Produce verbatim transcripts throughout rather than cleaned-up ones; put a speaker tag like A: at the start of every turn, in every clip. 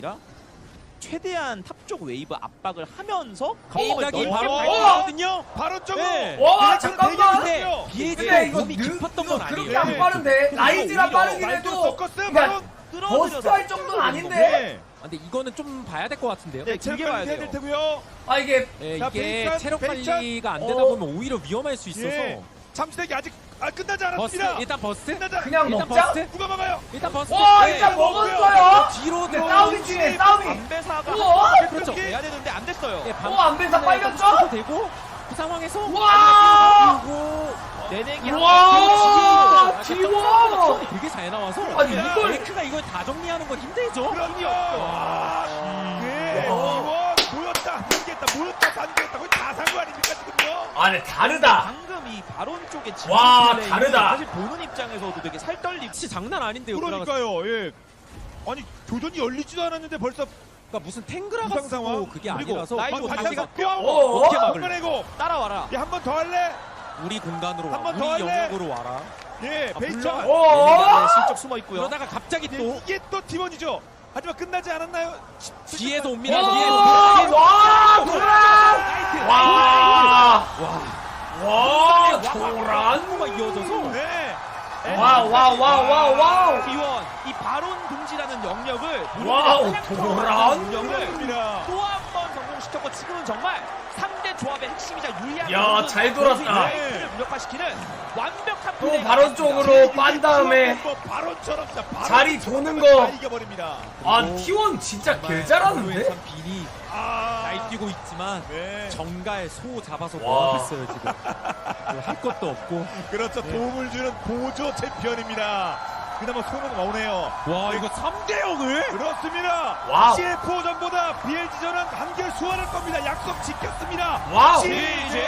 A: 최대한 탑 쪽 웨이브 압박을 하면서
B: 갑자기
A: 게임을
B: 바로
A: 거든요.
B: 바로 쪽으로.
A: 네.
C: 와 잠깐만.
A: 근데 비에이지가
C: 근데 이거
A: 몸이 깊었던 건
C: 그렇게
A: 아니에요.
C: 안 빠른데 라이즈라 빠르긴 해도
B: 서커스
C: 그러니까
B: 바로
C: 버스트 할 정도는 아닌데.
B: 네.
D: 아, 근데 이거는 좀 봐야 될 것 같은데요.
A: 네,
B: 체력
A: 길게 봐야
B: 관리 해야
A: 돼요.
B: 될 테고요.
C: 아 이게
D: 예,
B: 자,
D: 이게
B: 베이찬,
D: 체력
B: 베이찬.
D: 관리가 안 되다
C: 어.
D: 보면 오히려 위험할 수 있어서.
B: 예. 잠시대기 아직 아 끝나지
D: 버스
B: 않았습니다.
D: 일단 버스.
B: 끝나지 않-
C: 그냥
D: 일단
C: 먹자.
D: 버스.
B: 누가 막아요?
D: 일단 버스.
C: 와
D: 네.
C: 일단 먹었어요.
D: 뒤로
C: 근데
D: 들어.
C: 싸움이 중요해 싸움이.
A: 안배사가
C: 우와!
A: 그렇죠. 해야 되는데 안 됐어요.
D: 예, 반-
C: 어, 안배사 빨렸죠?
D: 되고 그 상황에서
C: 우와!
D: 그리고
A: 내내기
C: 우와!
D: 약간
C: 지워!
D: 점프가 되게 잘 나와서.
C: 아니
B: 야,
C: 이걸
D: 레이크가 이걸 다 정리하는 건 힘들죠.
B: 그럼요. 와, 네.
C: 와.
B: 이원 모였다, 단계했다, 모였다, 단계했다. 거의 다 산 거 아닙니까 지금요?
C: 아니 다르다.
A: 방금 이 바론 쪽에 진입
C: 와,
A: 플레이는
C: 다르다.
A: 사실 보는 입장에서도 되게 살떨림.
D: 진짜 장난 아닌데요. 그러니까
B: 그러니까요. 예. 아니 교전이 열리지도 않았는데 벌써
D: 무슨 탱그라가
B: 이상 상황.
D: 쓰고 그게
A: 그리고
D: 아니라서
A: 라이브
D: 그리고
A: 다시
D: 자기가
B: 뼈
C: 어?
D: 어떻게
B: 한
D: 막을?
B: 번 해고.
A: 따라와라.
B: 예, 한 번 더 할래?
D: 우리 공간으로 와.
B: 한번
D: 우리
B: 더 할래?
D: 영역으로 와라.
B: 예,
D: 아,
B: 베이천.
D: 물론-
C: 어?
A: 내내기 슬쩍 숨어 있고요.
D: 그러다가 갑자기
B: 예,
D: 또
B: 이게 또 팀원이죠. 하지만 끝나지 않았나요?
D: 뒤에서 옵니다.
C: 와,
D: 뒤에서.
C: 와, 도란! 와,
D: 와.
C: 와, 도란!
D: 가 이어져서
B: 네.
C: 와, 와, 와, 와, 와.
A: 비원 이 바론 동지라는 영역을
C: 와우, 도란!
A: 영역을
B: 그렇습니다.
A: 또 한 번 성공시켰고 지금은 정말 삼 대 조합의 핵심이자 유리한
C: 야,
A: 부분은
C: 잘 돌았다.
A: 라이트를 무력화시키는 완벽한
C: 또
A: 플레이가
C: 바로
A: 나왔습니다.
C: 쪽으로 빤 다음에
B: 뭐 바로처럼 진짜 바로
C: 자리 도는
B: 다
C: 거.
B: 이겨버립니다.
C: 아, 티원 진짜 개 잘하는데?
D: 참 비니
B: 아,
D: 날뛰고 있지만
B: 네.
D: 정가에 소 잡아서
C: 와.
D: 뭐 하겠어요 지금. 할 것도 없고.
B: 그렇죠. 도움을 주는 보조 챔피언입니다. 그나마 소문 오네요.
D: 와 이거 삼 대 영을?
B: 그렇습니다.
C: 와우.
B: 씨에프오전보다 비엘지전은 한결 수월할 겁니다. 약속 지켰습니다.
C: 와우.
B: 씨제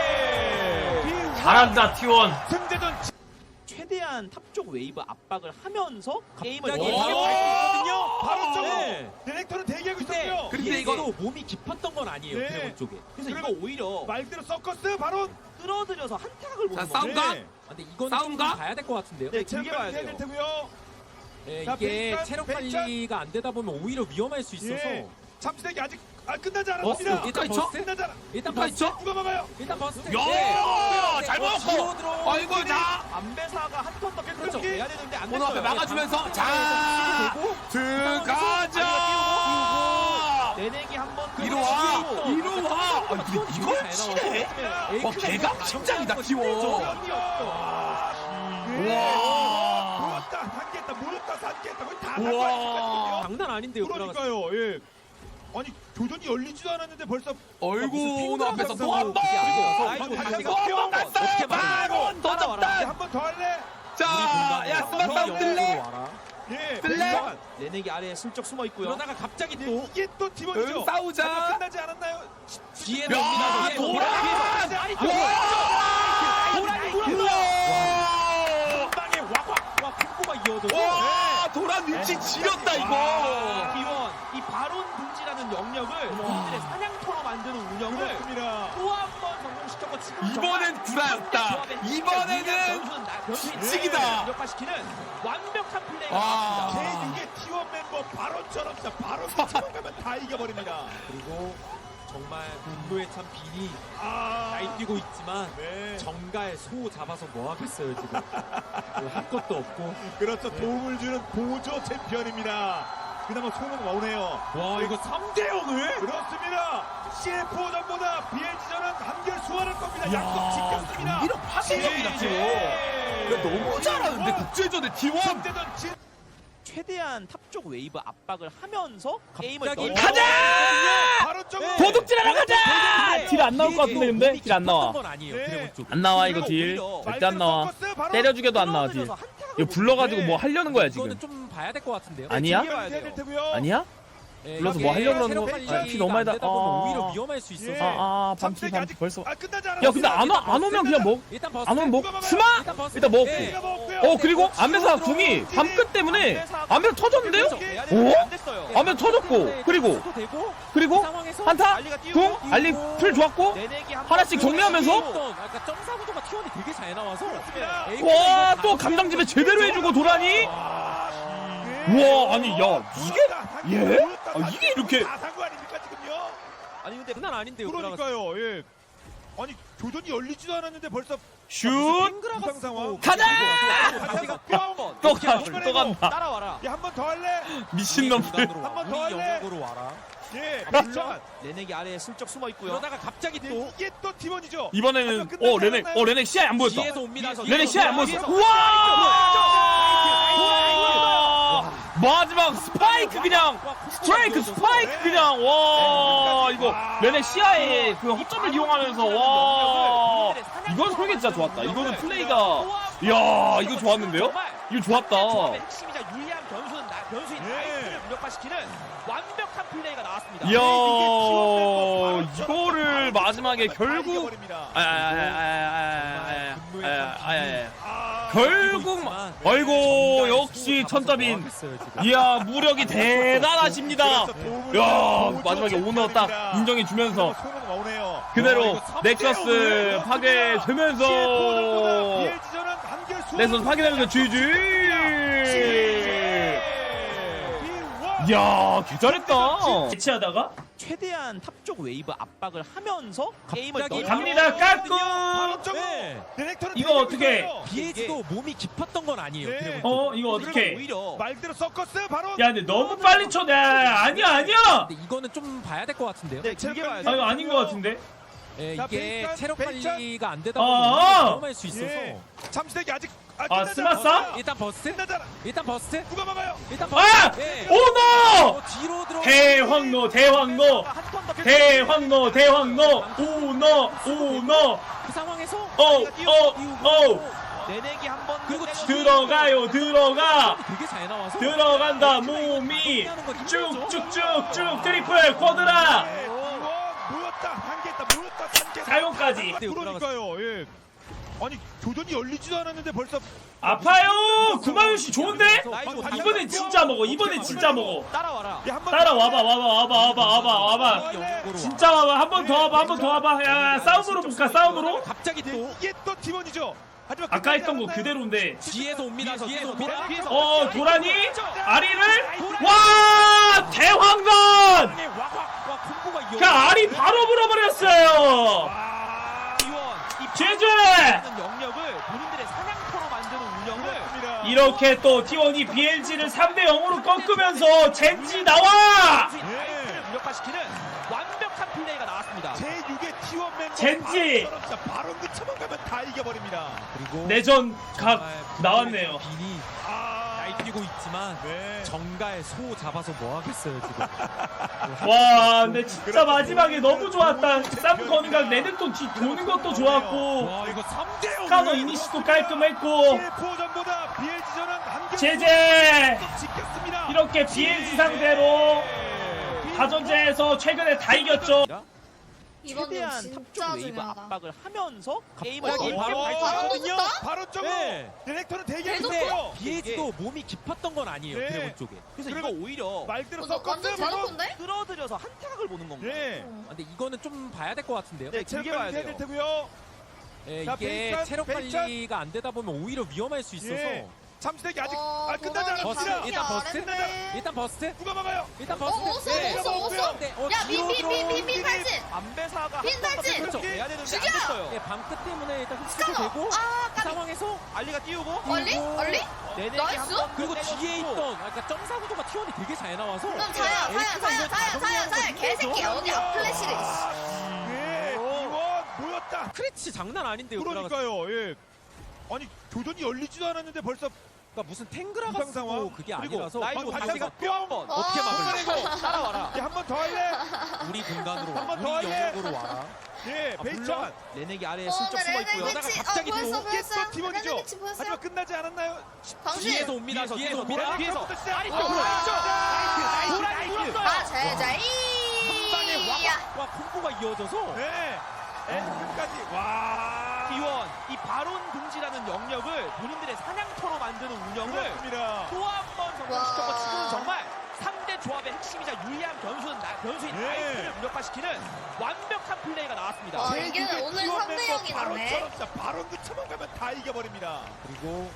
C: 잘한다, 티원.
B: 승제전
A: 최대한 탑 쪽 웨이브 압박을 하면서 게임을
D: 갑자기
A: 이기려고
D: 바로-
A: 했거든요.
B: 바로 쪽으로
D: 네.
B: 디렉터는 대기하고
A: 근데
B: 있었고요.
D: 근데 이거 몸이 깊었던 건 아니에요
B: 네.
D: 드래곤 쪽에.
A: 그래서
B: 그리고
A: 이거 오히려
B: 말대로 서커스 바로
A: 끌어들여서 한타각을 보는
E: 자, 싸움
A: 거죠.
E: 가?
B: 네.
D: 아, 근데 이건
E: 싸움가?
D: 좀 봐야 될 것 같은데요.
A: 네,
B: 체력
A: 길게 봐야
B: 관리 해야 될
A: 돼요.
B: 테고요.
D: 예,
B: 자,
D: 이게
B: 베이찬,
D: 체력
B: 베이찬.
D: 관리가 안 되다 보면 오히려 위험할 수 있어서.
B: 예. 잠시대기 아직 아, 끝나지
D: 버스
B: 않았습니다.
D: 일단
E: 있죠?
D: 버스.
B: 끝나지 않아.
D: 일단
E: 누가
D: 버스.
E: 있죠?
B: 누가 막아요?
D: 일단 버스.
E: 야, 잘
D: 뭐
E: 먹었고.
D: 뒤로 들어.
E: 아이고, 자,
A: 안배사가 한 턴 더
B: 그렇죠.
A: 그렇죠. 해야 되는데 안
E: 번호 앞에
A: 됐어요.
E: 막아주면서, 자,
D: 되고
E: 들어가자.
A: 내내기 한번
E: 이리 와, 이리 와. 아, 근데 이걸
D: 잘
E: 치네? 와, 개각 심장이다, 티원. 우와.
B: 모였다, 단계했다, 모였다, 단계했다. 거의 다산
E: 우와.
B: 거야.
D: 장난 아닌데요. 그러니까
B: 그러니까요. 예. 아니 교전이 열리지도 않았는데 벌써
E: 어이구, 오늘 앞에서 또 한 번.
D: 아이고,
B: 다시
D: 다시가
B: 한번
E: 또
D: 어떻게
E: 났어요.
D: 막아요?
E: 바로 또 잡다.
B: 한 번 더 할래?
E: 자, 야, 스마트폰 들래?
B: 예.
E: 들래?
B: 잠깐만.
A: 내내기 아래에 슬쩍 숨어 있고요.
D: 그러다가 갑자기
B: 예,
D: 또
B: 이게 또 팀원이죠.
E: 응, 싸우자.
B: 잠깐 끝나지 않았나요?
D: 뒤에
E: 야,
D: 옵니다. 뒤에
E: 돌아!
D: 옵니다.
A: 아니,
E: 우와.
D: 방에 와와 콤보가 이어져서.
E: 와, 도란 위치 지렸다, 이거.
A: 비원 이 바론 분지라는 영역을 본인들의 사냥터로 만드는 운영을
B: 그렇습니다.
A: 또 한 번 성공시켰고 지금
E: 이번엔 구라였다. 이번에는
A: 미치기다. 무력화시키는 완벽한 플레이가
E: 와.
A: 나왔습니다.
B: 제 이게 티원 멤버 바로처럼 진짜 바로 치고 가면 다 이겨버립니다.
D: 그리고 정말 분노의 참 비니
B: 아.
D: 날뛰고 있지만
B: 네.
D: 정가에 소 잡아서 뭐 하겠어요 지금. 할 것도 없고.
B: 그렇죠. 도움을 주는 보조 챔피언입니다. 그나마 소문 오네요.
D: 와 이거 삼 대 영을?
B: 그렇습니다. 씨에프오전보다 비엘지전은 한결 수월할 겁니다. 약속 지켰습니다.
E: 이런 파괴력이다, 티원. 너무 잘하는데, 국제전에 티원.
B: 승제전 진.
A: 최대한 탑 쪽 웨이브 압박을 하면서 게임을
D: 갑자기
A: 넣어-
C: 가자!
B: 바로 쪽으로.
A: 네.
C: 도둑질하러 가자! 딜 안 나올 것 같은데 근데?
D: 몸이
C: 딜 안 나와.
D: 깊었던 건 아니에요
B: 네.
D: 드래곤 쪽.
C: 안 나와 이거
A: 그리고
C: 딜.
A: 오히려
C: 절대 안 나와.
B: 서커스 바로
C: 때려 죽여도 안 나와 딜.
A: 끌어들여서 한타각을
C: 이거 불러가지고
B: 네.
C: 뭐 하려는 거야
D: 이거는
C: 지금.
D: 좀 봐야 될 것 같은데요.
C: 아니야?
B: 길게 봐야 될 테고요.
C: 아니야?
D: 예,
C: 불러서
D: 이게
C: 뭐 하려고 그러는
D: 체력
C: 거-
D: 관리가
C: 아, 피 너무 많이
D: 안 되다 보면
C: 아.
D: 오히려 위험할 수 있어서.
B: 예.
C: 아, 아, 밤피,
B: 잠시대기
C: 밤피
B: 아직
C: 벌써.
B: 아, 끝나지 않았어.
C: 야, 근데 안, 와, 안 오면 그냥 먹,
D: 일단 버스.
C: 안 오면 먹,
B: 누가
C: 스마?
D: 일단 버스.
C: 일단 먹고.
D: 예.
B: 우리가 먹고요.
C: 어, 그리고 안배사 궁이 밤끝 때문에 안배사 터졌는데요? 오?
A: 안 됐어요.
C: 안배사 터졌고, 그리고,
D: 되고
C: 그리고,
D: 상황에서
C: 한타?
A: 알리가 띄우고
C: 궁? 알리 풀 좋았고,
A: 내내기 한
C: 하나씩
A: 번
C: 정리하면서?
D: 어떤 약간 점사 구도가 티원이 되게 잘 나와서.
B: 그렇습니다.
D: 에이크가
C: 와,
D: 이거
C: 또
D: 다
C: 감당집에 제대로 해주고 도라니?
B: 아, 예.
C: 우와, 아니, 야, 이게, 예? 아, 이게 이렇게.
B: 다산거 아닙니까 지금요?
A: 아니 근데
D: 장난 아닌데요.
B: 그러니까요. 예. 아니 교전이 열리지도 않았는데 벌써
C: 슛!
B: 부상 상황.
C: 가자!
A: 다시가
B: 뿅!
C: 또 가, 또 간다.
A: 따라와라.
B: 야, 한 번 더 할래?
C: 미친놈들.
B: 한 번 더
D: 우리
B: 할래?
D: 영역으로 와라.
B: 예.
A: 물론
B: 자,
A: 레넥이 아래에 슬쩍 숨어 있고요.
D: 그러다가 갑자기
B: 예,
D: 또
B: 이게 또 팀원이죠.
C: 이번에는, 어, 레넥, 어, 레넥 시야에 안 보였다.
D: 뒤에서 옵니다.
C: 레넥 시야에 안 보였어.
A: 뒤에서.
C: 우와! 마지막 스파이크 그냥, 스트라이크 스파이크 그냥, 와, 이거, 레넥 시야에 그 허점을 이용하면서, 와, 이건 설계 진짜 좋았다. 이거는 플레이가, 이야, 이거 좋았는데요? 이거 좋았다.
A: 핵심이자 유리한 변수는 나, 변수인
B: 예.
A: 나이트를 무력화시키는 완벽한 플레이가 나왔습니다.
C: 이야, 이거를 마지막에 결국, 아, 아, 아, 아, 아, 아, 아, 아, 결국, 아이고, 역시 천자빈. 이야, 무력이 대단하십니다. 야, 마지막에 오너 딱 인정해주면서 그대로 넥서스 파괴되면서 넥서스 파괴되면서 지지. 이야, 개 잘했다. 대치하다가
A: 최대한 탑 쪽 웨이브 압박을 하면서 게임을
D: 갑자기
A: 넣-
C: 갑니다. 깎고.
D: 네.
C: 이거 어떻게?
D: 비에지도 몸이 깊었던 건 아니에요.
B: 네.
D: 드래곤
C: 어,
D: 쪽은.
C: 이거 어떻게?
A: 오히려
B: 말대로 서커스 바로.
C: 야, 근데 너무 빨리 쳐. 야, 아니야, 아니야.
D: 근데 이거는 좀 봐야 될 것 같은데요.
A: 네, 길게 봐야
C: 아,
A: 돼.
C: 이거 아닌 것 같은데.
D: 예,
B: 자,
D: 이게
B: 베이컨,
D: 체력
B: 베이컨.
D: 관리가 안 되다
C: 아,
D: 보면
C: 아.
D: 위험할 수 있어서
B: 예. 잠시대기 아직
C: 아,
B: 끝나지
C: 스마싸?
B: 않았어요.
D: 일단 버스트,
B: 끝나잖아.
D: 일단 버스트,
B: 누가 막아요?
D: 일단
C: 아!
D: 버스트. 예.
C: 오너!
D: 어, 뒤로 들어.
C: 대황노, 대황노,
A: 한턴더
C: 대황노, 대황노, 오너, 오너,
D: 그 상황에서
C: 어, 어, 어,
A: 내내기 한번
D: 그리고
C: 들어가요, 들어가,
D: 되게 잘 나와서
C: 들어간다, 몸이 쭉쭉쭉쭉 트리플 쿼드라
B: 예, 이거 모였다 한개했다 모였다 한개
C: 사용까지.
B: 그러니까요. 예. 아니 교전이 열리지도 않았는데 벌써
C: 아파요. 구마윤 씨 좋은데? 이번엔 진짜 먹어. 이번엔 진짜 먹어.
A: 따라와라.
B: 야, 한번
C: 따라와봐, 와봐, 와봐, 와봐, 와봐, 와봐.
D: 영역으로
C: 진짜 와봐. 한 번 더 와봐, 한 번 더 와봐. 야, 싸움으로 볼까, 싸움으로?
D: 갑자기 또
B: 이게 또 팀원이죠. 하지만
C: 아까
B: 끝나지
C: 했던 거
B: 않았나요?
C: 그대로인데.
D: 뒤에서 옵니다. 뒤에서 옵니다.
A: 뒤에서.
C: 어, 도라니? 아리를? 와! 대황건!
D: 아니, 와, 와, 와, 콤보가 이어.
C: 그 알이 바로 물어버렸어요!
B: 아,
A: 이원 이
C: 제재!
A: 영역을 본인들의 사냥터로 만드는 운영을
B: 그렇습니다.
C: 이렇게 또 티원이 비엘지를 삼 대 영으로 꺾으면서 젠지 나와!
A: 나이트를 무력화시키는 완벽한 플레이가 나왔습니다.
B: 제육의 티원 멤버
C: 젠지!
B: 바로 진짜 바로 그 처만 가면 다 이겨버립니다.
D: 그리고
C: 내전 각
D: 정말
C: 나왔네요.
D: 빈이
B: 아,
D: 날뛰고 있지만
B: 네.
D: 정가에 소 잡아서 뭐 하겠어요 지금.
C: 와, 근데 진짜 마지막에 너무 좋았다. 쌈 건강 레드톤 뒤 도는 것도 좋았고,
B: 와 이거 삼 대 영.
C: 스카너 이니시도 깔끔했고,
B: 포전보다 비엘지전은 한개
C: 제재!
B: 지켰습니다.
C: 이렇게 비엘지 상대로 다전제에서 최근에 다 이겼죠.
F: 이번
A: 최대한
F: 년
A: 탑 쪽
F: 진짜
A: 웨이브
F: 중요하다.
A: 압박을 하면서 게임을
D: 갑자기
A: 넣-
D: 바로
B: 바로
D: 발전하거든요.
B: 바로 쪽으로
D: 네.
B: 디렉터는
F: 계속
B: 대기했어요.
D: 비에지도 몸이 깊었던 건 아니에요
B: 네.
D: 드래곤 쪽에.
A: 그래서
B: 그리고
A: 이거 오히려
B: 말대로
F: 어, 나 완전
B: 섞었어요. 바로.
F: 대놓고인데?
A: 끌어들여서 한 타각을 보는 건가요?
B: 예.
F: 어.
D: 아, 근데 이거는 좀 봐야 될 것 같은데요.
A: 네, 길게 봐야
B: 체력 관리 해야 될
A: 돼요.
B: 테고요.
D: 예,
B: 자,
D: 이게
B: 베이찬,
D: 체력
B: 베이찬.
D: 관리가 안 되다 보면 오히려 위험할 수 있어서
B: 예. 잠시대기 아직
F: 어,
B: 아, 끝나지
F: 도란이
B: 않았습니다.
F: 반응이
D: 일단 버스.
F: 아랫네.
D: 일단 버스트,
B: 누가 막아요?
D: 일단
F: 어,
D: 버스트.
F: 오쏘,
D: 네.
F: 오쏘, 오쏘.
D: 네, 어,
F: 야,
D: 뒤로
F: 빈, 빈, 빈, 빈, 빈,
B: 들어오는
F: 탈진.
A: 안배사가
F: 빈
A: 한 번더
F: 탈진!
A: 그렇죠. 해야 되는데 안
F: 죽여!
A: 됐어요.
D: 예, 방크 때문에 일단 흡수가
F: 스카너.
D: 되고
F: 아,
D: 그
F: 까비.
D: 상황에서
A: 알리가 띄우고
F: 얼리?
D: 그리고-
F: 얼리?
A: 내내기
F: 나이스.
A: 한번
D: 그리고
A: 때려주고.
D: 뒤에 있던 아, 그러니까 점사 구도가 티원이 되게 잘 나와서
F: 그럼 자야, 자야,
D: 에이스가
F: 자야,
D: 이걸 다
F: 자야, 자야,
D: 정리하는
F: 자야.
D: 거
F: 개새끼야. 어디 앞플래시를.
B: 예. 이원 모였다.
D: 크리치 장난 아닌데요. 그러니까
B: 그러니까요. 예. 아니 교전이 열리지도 않았는데 벌써
D: 무슨 탱그라가
B: 이상 상황.
D: 쓰고 그게
A: 그리고
D: 아니라서
A: 나이도
B: 방-
A: 다시
B: 방패가
A: 뿅 한번
D: 어떻게 막을
B: 막으려고.
A: 따라와라.
B: 한 번 더 할래?
D: 우리 공간으로
B: 한번
D: 와.
B: 더
D: 우리
B: 할래?
D: 영역으로 와라.
B: 예.
A: 아,
B: 베이찬.
A: 물론 레넥이 아래에
F: 어,
A: 슬쩍
F: 나
A: 숨어
F: 레넥
A: 있고요.
D: 그러다가
F: 위치.
D: 갑자기
F: 어, 보였어,
D: 또
B: 이게
F: 보였어.
B: 또 팀원이죠.
F: 레넥 위치 보였어요.
B: 하지만 끝나지 않았나요?
F: 방신.
D: 뒤에서 옵니다.
A: 뒤에서,
D: 뒤에서
A: 뒤에서
D: 옵니다.
A: 옵니다. 뒤에서.
B: 처음부터 시작.
A: 아리
B: 어,
A: 쪽으로.
B: 나이스, 나이스,
A: 도란이
B: 나이스.
A: 물었어요.
F: 아, 자야자이.
D: 한 방에 와, 와 콤보가 이어져서
B: 네. 엔드까지. 와.
A: 기원 이 바론 금지라는 영역을 본인들의 사냥터로 만드는 운영을
B: 그렇습니다.
A: 또 한 번 성공시켰고
F: 와.
A: 지금은 정말 삼 대 조합의 핵심이자 유리한 변수는 나, 변수인
B: 네.
A: 나이트를 무력화시키는 완벽한 플레이가 나왔습니다.
F: 와,
B: 제
F: 이게
B: 육의
F: 오늘
B: T 원
F: 삼 대
B: 멤버
F: 영이 나네.
B: 바론처럼 진짜 바론 그 처만 가면 다 이겨버립니다.
D: 그리고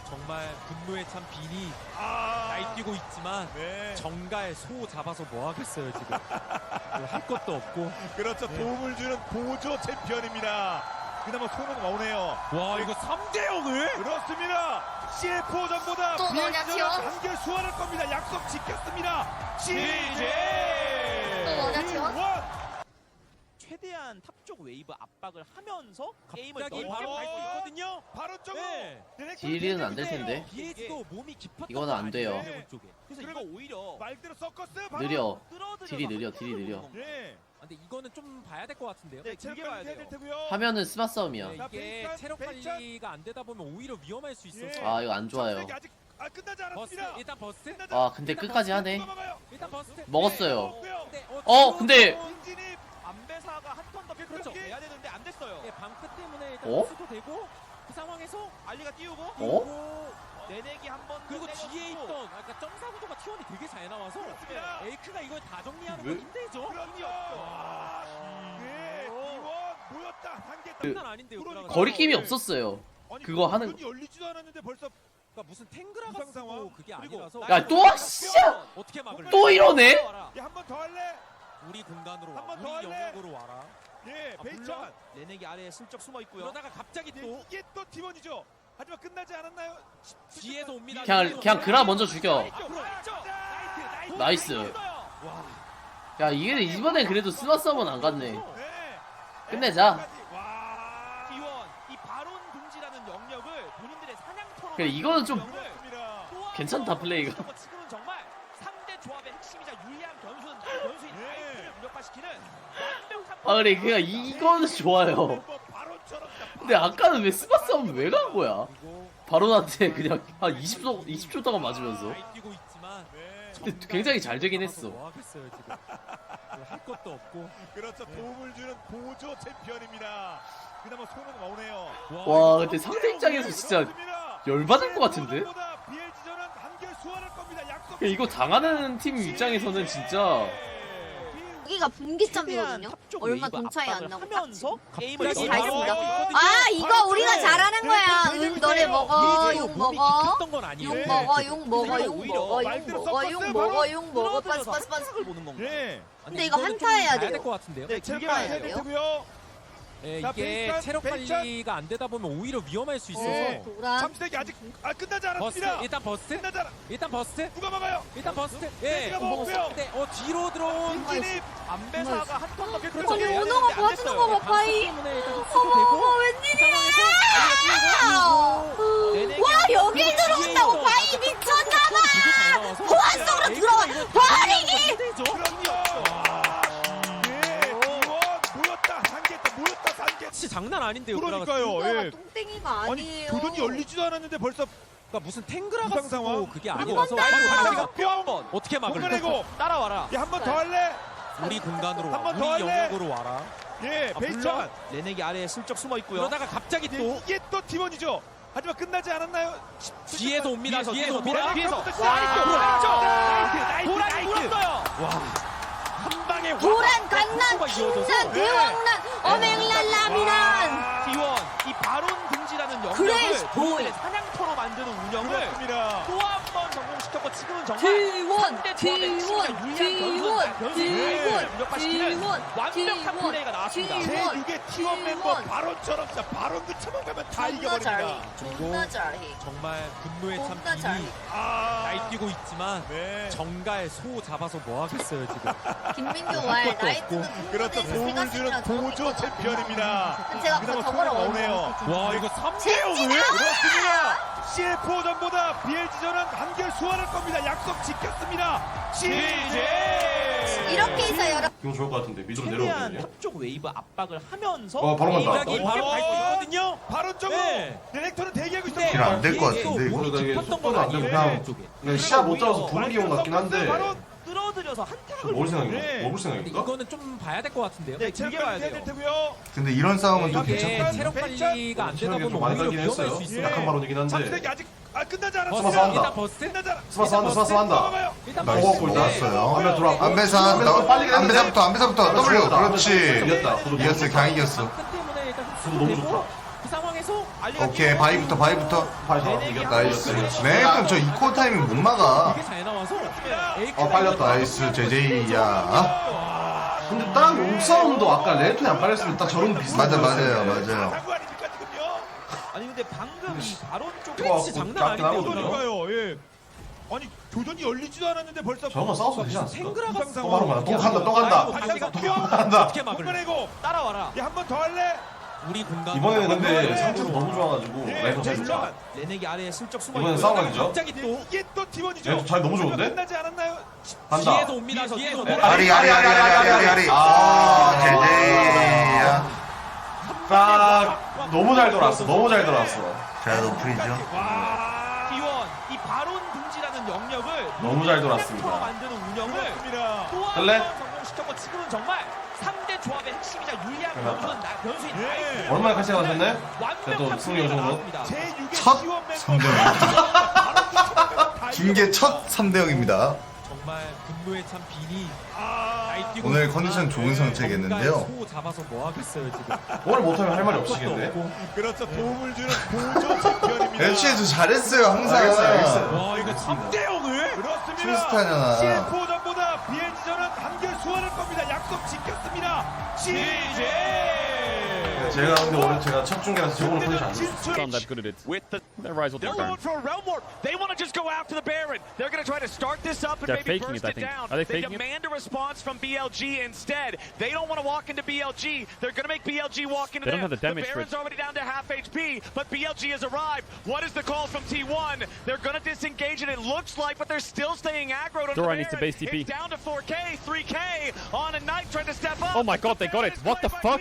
D: 정말 분노에 찬 빈이
B: 아,
D: 날뛰고 있지만
B: 네.
D: 정가에 소 잡아서 뭐 하겠어요 지금. 할 것도 없고.
B: 그렇죠. 도움을 주는 보조 챔피언입니다. 그나마 손은 오네요.
D: 와 이거 삼 대 영을?
B: 그렇습니다. 씨에프오전보다
F: 또 뭐냐,
B: 비엘지전은
F: 티원?
B: 한결 수월할 겁니다. 약속 지켰습니다. 씨제
F: 또 뭐냐, 티원?
A: 최대한 탑 쪽 웨이브 압박을 하면서 게임을
D: 갑자기
A: 넓게
D: 바로
A: 밟고
D: 밟고 있거든요.
B: 바로 쪽으로.
D: 네.
E: 딜은 안 될 텐데.
D: 비에지도 몸이 깊었던
E: 이거는
D: 거
E: 안 돼요.
D: 아니에요, 이번 쪽에.
A: 그래서
B: 그리고
A: 이거 오히려
B: 말대로 서커스 바로.
E: 느려.
A: 끌어들여서
E: 딜이 느려,
A: 한타로
E: 딜이 느려.
A: 보는 건가요?
B: 네.
D: 아, 근데 이거는 좀 봐야 될 것 같은데요.
A: 네, 길게 봐야
B: 체력
A: 돼요.
B: 관리 해야 될 테고요.
E: 하면은 스마 싸움이야.
D: 네,
B: 자,
D: 이게
B: 베이찬,
D: 체력
B: 베이찬.
D: 관리가 안 되다 보면 오히려 위험할 수 있어서.
B: 예.
E: 아 이거 안 좋아요.
B: 점색이 아직 아, 끝나지
D: 버스
B: 않았습니다.
D: 일단 버스.
B: 끝나지
E: 아 근데 끝까지 하네.
B: 않았습니다.
D: 일단 버스.
E: 먹었어요.
B: 먹었고요.
D: 네,
E: 어 근데
B: 인진이
A: 안배사가 한 턴 더
B: 그렇죠.
A: 그렇죠. 해야 되는데 안 됐어요.
D: 네, 방크 때문에 일단
E: 어?
D: 버스도 되고 그 상황에서
A: 알리가 띄우고
E: 어?
D: 그리고
A: 내내기 한번
D: 그리고 뒤에 있던 아까 점사 구도가 티원이 되게 잘 나와서
B: 그렇습니다.
D: 에이크가 이걸 다 정리하는
E: 왜?
D: 건 힘들죠.
B: 그렇죠. 와. 네. 이원 모였다. 단계
E: 그-
D: 장난 아닌데요.
B: 그러니까.
D: 그러니까.
E: 거리낌이 없었어요.
B: 아니,
E: 그거 하는
B: 눈이 열리지도 않았는데 벌써
D: 그러니까 무슨 탱그라가
B: 부상 상황.
D: 쓰고 그게
B: 그리고
D: 아니라서
E: 야 또 씨야
D: 어떻게 막을
E: 또 이러네.
B: 야, 한 번 더 할래?
D: 우리 공간으로
B: 한번
D: 와.
B: 더
D: 우리
B: 할래?
D: 영역으로 와라.
B: 예,
D: 아,
B: 베이찬.
D: 물론
A: 내내기 아래에 슬쩍 숨어 있고요.
D: 그러다가 갑자기
B: 예,
D: 또
B: 이게 또 팀원이죠. 하지만 끝나지 않았나요?
D: 뒤에서 옵니다.
E: 그냥 그냥 그라 먼저 죽여.
B: 앞으로 나이스, 나이스.
E: 나이스. 야 이게 이번엔 그래도 스마 싸움은 안 갔네.
B: 네.
E: 끝내자.
B: 와.
A: 기원 이 바론 금지라는 영역을 본인들의 사냥터로
E: 그래, 이거는 좀
B: 그렇습니다.
E: 괜찮다, 플레이가.
A: 지금은 정말 삼 대 조합의 핵심이자 유리한 변수는 변수인
B: 네.
A: 나이트를 무력화시키는 완벽한
E: 아 그래 그냥 이거는 좋아요.
B: 바로처럼
E: 근데 아까는 왜 스마 싸움 왜 간 거야?
D: 그리고
E: 바론한테 그냥 한 이십 초 이십 초 동안 맞으면서.
D: 날뛰고 있지만
B: 네.
E: 근데 굉장히 잘 되긴 했어.
D: 뭐 하겠어요 지금. 할 것도 없고.
B: 그렇죠. 도움을 주는 보조 챔피언입니다. 그나마 손은 오네요.
E: 와 근데 상대 입장에서 진짜
B: 그렇습니다.
E: 열받을 것 같은데?
B: 보다 비엘지전은 한결 수월할 겁니다. 약속.
E: 이거 당하는 팀 입장에서는 진짜
F: 여기가 분기점이거든요.
A: 탑쪽
F: 얼마
A: 웨이브
F: 돈 차이 안
A: 압박을
F: 나고
A: 하면서 게임을
F: 플래시
A: 넓게
F: 다 있습니다.
A: 밟고
F: 아 이거 우리가 잘하는 거야. 응 너네 먹어.
D: 비에지도
F: 용
D: 몸이
F: 먹어.
D: 깊었던 건 아니에요.
F: 용 먹어. 용 먹어. 용
A: 오히려
F: 먹어. 용
B: 말대로
F: 먹어. 용
B: 섞었어요,
F: 먹어.
B: 바로.
F: 용 먹어. 빠스
A: 끌어들여서
F: 빠스 빠스.
A: 한타를 보는 건가요?
B: 예.
F: 근데 이거 한타 해야 돼요.
D: 될것 같은데요.
A: 네,
B: 체
A: 길게
B: 력
A: 봐야
B: 관리 해야
A: 돼요.
B: 될 테고요.
D: 예,
B: 자,
D: 이게
B: 베이찬,
D: 체력
B: 베이찬.
D: 관리가 안 되다 보면 오히려 위험할 수 있어서
B: 예.
F: 도란.
B: 잠시대기 아직 아 끝나지
D: 버스
B: 않았습니다.
D: 일단 버스
B: 끝나지 않아.
D: 일단 버스
B: 누가 막아요?
D: 일단 버스 예
B: 베이지가 먹었고요.
D: 네, 어 뒤로 들어온
B: 인진이
A: 안배사가 한 턴 더 그렇죠.
F: 아니
A: 해야
F: 오너가
A: 되는데 안
F: 봐주는
A: 됐어요.
F: 거 봐. 파이.
D: 때문에 일단
F: 어머
D: 흡수도 되고
F: 어머 웬일이야.
A: 내내기
F: 와
A: 한번
F: 여길
D: 뒤에
F: 들어온다고
D: 있어.
F: 파이 미쳤나봐.
D: 되게 잘 나와서
F: 보안 속으로 들어와. 버리기.
B: 그렇죠. 예. 이원 모였다. 상계했다. 모였다. 상계.
D: 진짜 장난 아닌데요.
B: 그러니까요.
F: 이거가
B: 예.
F: 똥땡이가
B: 아니
F: 아니에요.
B: 교전이 열리지도 않았는데 벌써
D: 그러니까 무슨 탱그라가
B: 부상 상황.
D: 쓰고 그게
B: 그리고
D: 아니라서
B: 발차기가
D: 발차기가
B: 뿅.
D: 어떻게 막을
B: 공간내고.
A: 따라와라.
B: 야 한 번 더 할래?
D: 우리 공간으로
B: 한번
D: 와
B: 더
D: 우리
B: 할래?
D: 영역으로 와라
B: 예.
D: 아,
B: 베이찬.
A: 내내기 아래에 슬쩍 숨어 있고요.
D: 그러다가 갑자기
B: 예,
D: 또
B: 이게 또 팀원이죠. 하지만 끝나지 않았나요?
D: 뒤에서 옵니다
A: 뒤에서,
D: 뒤에서
A: 뒤에서,
D: 옵니다
A: 뒤에서.
B: 뒤에서.
A: 와,
B: 나이스. 나이스.
A: 도란이
B: 나이스.
A: 물었어요.
B: 한 방에 확.
F: 도란 강난
D: 가 이어져서
F: 킹난 대왕난 어맹랄라미난.
A: 기원 이 바론 금지라는 영역을
F: 그레이스 보이.
A: 본인들의 사냥터로 만드는 운영을
B: 그렇습니다.
A: 또 한 번 성공시켰고 지금은 정말
F: T1
A: 상대 조합의 핵심이자
F: T1
A: 유리한 변수, 변수를
F: T1
A: 무력화시키는
F: T1
A: 완벽한 플레이가 나왔습니다.
F: T1
B: 제육의 티원 멤버
F: T1.
B: 바론처럼 진짜 바론 그쳐만 가면 다
F: 존나
B: 이겨버립니다.
F: 잘해. 존나 잘해.
D: 정말 분노에 찬
F: 존나 잘해.
D: 빈이
B: 아.
D: 날뛰고 있지만
B: 네.
D: 정가에 소 잡아서 뭐 하겠어요 지금.
F: 김민규 왈 나이트는
B: 그렇죠. 도움을 주는 보조 챔피언입니다.
F: 제가
B: 그나마
F: 저거를
B: 손에 오네요.
D: 와 이거 삼 대 영을
B: 그렇습니다. 씨에프오전보다 비엘지전은 한결 수월할 겁니다. 약속 지켰습니다. 씨제.
F: 이렇게 해서 여러분
G: 기분 좋을 것 같은데 미드로
A: 최대한
G: 내려오거든요.
A: 탑 쪽 웨이브 압박을 하면서
G: 어, 바로 간다.
A: 게임을
D: 여기 바로
A: 넓게
D: 밟고 있거든요.
B: 바론 쪽으로
D: 네.
B: 디렉터는 대기하고
D: 근데
B: 있어요.
G: 길 안 될 것 같은데, 이거?
D: 몸이
G: 되게
D: 깊었던
G: 속도도
D: 건
G: 안 되고
D: 아니에요.
G: 그냥
D: 쪽에.
G: 그냥 시야 못 잡아서 보는 기분 같긴 한데
B: 바론.
A: 끌어들여서 한타를
G: 먹을 생각인가?
B: 네.
G: 먹을
D: 근데
G: 생각인가?
D: 이거는 좀 봐야 될 것 같은데요.
A: 네, 길게 봐야
B: 해야 될
A: 돼요.
B: 테고요.
G: 근데 이런 싸움은 좀
D: 이게
G: 괜찮다.
D: 체력 관리가 안 되다
G: 체력이
D: 보면
G: 좀 많이
D: 오히려
G: 가긴
D: 위험할
G: 했어요.
D: 수 있어요.
G: 약한 발언이긴 한데
B: 잠시대기 아직 아 끝나지
D: 버스
B: 않았습니다.
G: 스마스 한다.
D: 일단 버스
B: 끝나지 않아.
G: 스마스 한다 스마스 한다
B: 넘어가요.
D: 일단
G: 나이스
D: 버스.
G: 골
D: 네.
G: 나왔어요. 화면 돌아왔고
H: 안배사
G: 화면에서 빨리
H: 나- 안배사부터 안배사부터 W 그렇지
G: 이겼다. 구도
H: 이겼어 그냥 이겼어
D: 방크 때문에 일단
G: 구도 너무
D: 되고,
G: 좋다.
D: 그 상황에서
A: 나와서 알리가
G: 오케이 바이부터 바이부터.
A: 네넥이
G: 이겼다 나이스. 네 그럼 저 이코 타이밍 못 막아.
D: 되게 잘 나와서
G: 어 빨렸다 나이스 제제이야.
E: 근데 딱 옥사운도 아까 레톤이 안 빨렸으면 딱 저런 비슷한
G: 맞아
E: 거
G: 맞아요
E: 있었는데.
G: 맞아요.
B: 사고 아닙니까 지금요?
A: 아니 근데 방금 이 바론 쪽
E: 와,
A: 펜치 장난
E: 깎긴
A: 아닌데요.
E: 하거든요.
B: 그러니까요. 예. 아니 교전이 열리지도 않았는데 벌써
E: 저거 싸워도 되지 않습니까?
A: 생그라가
E: 또 바로 가다 또 간다 또 간다.
B: 반대가
A: 또
B: 튀어.
E: 간다.
D: 어떻게 막을?
B: 공간내고.
A: 따라와라.
B: 야 한 번 더 할래?
D: 우리 공간
E: 이번에는 근데
B: 네.
E: 상태도 너무 좋아가지고
B: 예.
E: 레톤 잘 좋아.
B: 잠깐만.
A: 레넥이 아래에 슬쩍 숨어
E: 이번엔
A: 있고요.
E: 싸움각이죠?
A: 갑자기 또
B: 이게 또 팀원이죠.
E: 얘도 잘 너무 좋은데?
B: 끝나지 않았나요?
E: 간다.
D: 뒤에서 옵니다.
A: 뒤에서,
D: 뒤에서
A: 뒤에서.
G: 아리 아리 아리 아리 아리 아리 아리. 아 제제이야.
E: 딱 너무 잘 돌았어. 너무 잘 돌았어.
G: 제가 노플이죠.
A: 기원 이 바론 둥지라는 영역을
E: 너무 잘
A: 프로
E: 돌았습니다.
A: 만드는 운영을
B: 그렇습니다.
A: 또
E: 할래?
A: 한 번 성공시켰고 지금은 정말 삼 대 조합의 핵심이자 유리한
E: 끝났다.
A: 변수는 나, 변수인
B: 예.
A: 나이스.
E: 얼마나 같이 나왔네?
A: 완벽한
E: 또 승리
A: 플레이가
E: 요정도.
A: 나왔습니다.
B: 제육의
G: 첫
B: 지원 멤버.
G: 삼 대 영. 김계 첫 삼 대 영입니다.
D: 정말 분노에 찬 빈이
B: 아,
D: 날뛰고
G: 오늘
D: 있지만
G: 컨디션 좋은 상태겠는데요.
D: 소 잡아서 뭐 하겠어요 지금.
E: 오늘 못하면 할 말이
D: 것도
E: 없으시겠네.
D: 없고.
B: 그렇죠. 도움을 주는 보조 챔피언입니다.
G: 애쉬에도 잘했어요 항상.
E: 알겠어요, 알겠어요.
D: 와 이거 삼 대 영을?
B: 그렇습니다.
G: 투스타잖아.
B: 씨에프오전보다 비엔지전은 한결 수월할 겁니다. 약속 지켰습니다. 씨제.
E: 제가 근데 오늘 제가 첫 중계라서 제 오늘 컨디션 안 좋아.
C: I'm not that good at it.
H: With the,
C: That rise will
H: they're
C: take
H: going for a realm warp. They want to just go after the Baron. They're going to try to start this up and
C: They're
H: maybe
C: faking
H: burst
C: it, I
H: it,
C: think.
H: down.
C: Are they faking it?
H: demand a response from B L G instead. They don't want to walk into B L G. They're going to make B L G walk into
C: They don't
H: them.
C: have the damage for
H: Baron's
C: it.
H: already down to half H P, but B L G has arrived. What is the call from T one? They're going to disengage it. It looks like, but they're still staying aggroed on the
C: Dora
H: Baron.
C: needs to base T P.
H: It's down to four K, three K on a Knight trying to step up.
C: Oh my God, they got it. What the fuck?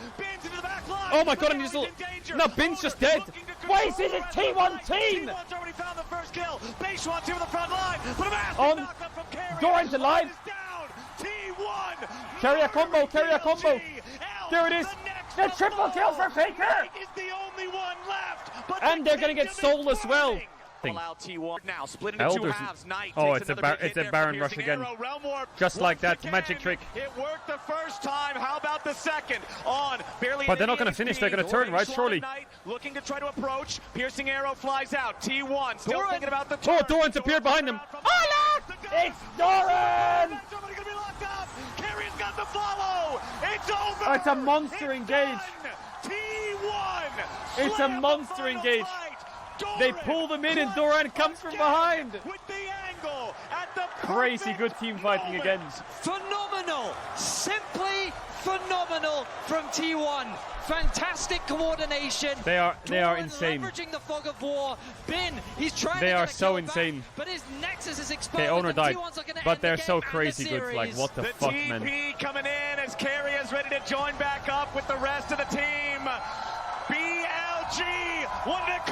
C: Oh my God, I'm just. No, Bin's just dead. Why is it a T one team?
H: T one's already found the first kill. Basewan's here with the front line. But a massive
C: On.
H: knock-up from Carrier.
C: Doran's alive.
H: Is down. T one.
C: Carrier combo, carrier combo.
H: B L G.
C: There it is.
H: The
C: The
H: next
C: triple kill for Faker.
H: is the only one left. But
C: And
H: the
C: they're gonna get
H: kingdom
C: Soul
H: is
C: as well.
H: burning.
C: Thing.
H: Allow T one now split into two
C: Elders-
H: halves. Knight
C: Oh,
H: takes
C: it's a
H: another
C: bar-
H: big hit
C: it's a
H: there
C: Baron
H: from
C: rush
H: Piercing
C: again.
H: Arrow. Realm Warp
C: Just like
H: once
C: that, magic
H: again.
C: trick.
H: It worked the first time. How about the second? On barely.
C: But they're not
H: any
C: gonna finish, they're gonna
H: H P.
C: turn, right?
H: Doran
C: Surely.
H: Knight looking to try to approach. Piercing Arrow flies out. T one still thinking about the
C: Oh,
H: turn.
C: Doran's appeared behind them.
H: From
C: Oh, look!
H: the gun.
C: It's Doran!
H: Somebody gonna be locked up. Carrier's got the follow. It's over.
C: Oh, it's a monster
H: It's
C: engage.
H: done. T one.
C: It's a
H: Slam the
C: monster
H: final
C: engage.
H: fight.
C: They
H: Doran
C: pull them in and
H: clutch
C: Doran comes from
H: again
C: behind.
H: With the angle at the
C: Crazy
H: perfect
C: good team fighting
H: moment.
C: again.
I: Phenomenal, simply phenomenal from T one. Fantastic coordination.
C: They are they are
I: Doran
C: insane.
I: Leveraging the fog of war. Bin, he's trying
C: They
I: to
C: are
I: get a
C: so
I: kill back,
C: insane.
I: but his nexus is exposed.
C: Okay, owner
I: and
C: died,
I: T one's looking to
C: but
I: end the
C: they're so
I: game and the
C: crazy good. Like
I: series.
C: what the
H: The
C: fuck,
H: T
C: man?
H: P coming in as Carrie is ready to join back up with the rest of the team. B L G wanted to